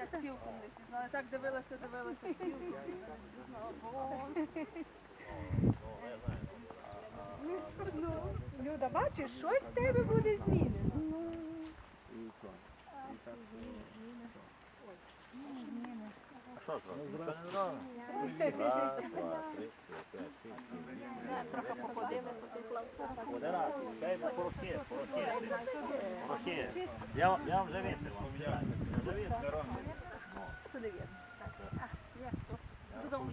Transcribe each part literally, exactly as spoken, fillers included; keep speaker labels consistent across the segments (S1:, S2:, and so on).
S1: так цілком не пізнала. Так дивилася, дивилася цілком. Не знала, боже.
S2: Люда, бачиш, щось в тебе буде змінено.
S3: А що зробити? Нічого не зробимо. Раз, два, три, чотири, п'ять, шість, сім, вісім.
S1: Трохи походили по тих лавках.
S3: Один раз. Дай порохи, порохи. Порохи. Я, вам- я вам вже вітер вам. Я вже вітер.
S1: Туди вірно.
S3: Та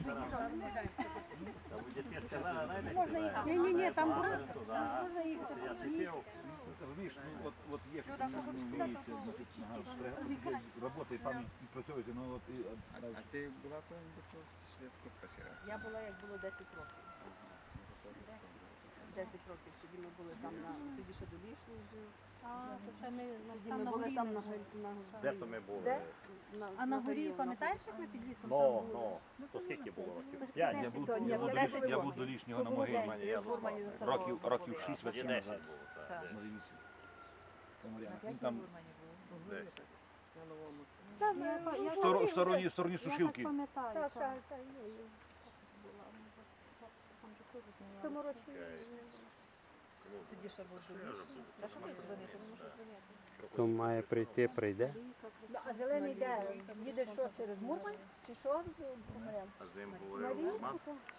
S3: ви дітей сказали, найдете.
S2: Ні, ні, ні, там
S3: Можна
S2: буде.
S3: туди.
S2: Можна їхати.
S3: Я тіпів.
S4: Розумієш, ну от, от є, що там вмієте, значить, ага, роботи там і працюєте, ну от і...
S5: А ти була там до цього швидко працювала?
S1: Я була, як було десять років. десять років. Тоді ми були там на... Тоді ще до лісу жив.
S2: А, то це ми
S1: Тоді
S2: там
S1: ми
S2: на
S1: були
S2: горі.
S1: там
S2: ми
S1: на
S2: були.
S1: горі. на-
S3: Де то ми були?
S1: Де? На-
S2: А на горі,
S1: воно.
S2: пам'ятаєш, як ми під лісом там
S3: Ну,
S2: були?
S3: ну. То скільки було років? П'ять.
S4: Я був,
S1: То ні,
S4: я був,
S1: було
S4: до,
S1: десять
S4: ліс- я
S1: років.
S4: був до лишнього на
S1: То було
S4: могилі.
S1: десять.
S3: Я
S1: Я в Гурмані
S3: заслав.
S1: заставала.
S4: Років, років шість
S3: Тоді
S4: восім
S3: десять
S4: назад.
S3: було.
S1: Так.
S3: так,
S4: На
S3: десять.
S4: Вінниці. Він там
S3: Десять.
S2: Там, я- я-
S4: в стор- в стороні, в стороні
S2: Я так
S4: сушилки.
S2: пам'ятаю.
S1: Так,
S2: так.
S1: так, так, є, є.
S2: В цьому році.
S1: Тоді ще був долішний. Та що ви дзвонити? Не можу дзвонити.
S6: Хто має прийти, прийде.
S2: Ну, а зелений де? Їде що, через Мурманськ? Чи що?
S3: А з ним
S2: На
S3: говорив Роман.
S2: річку?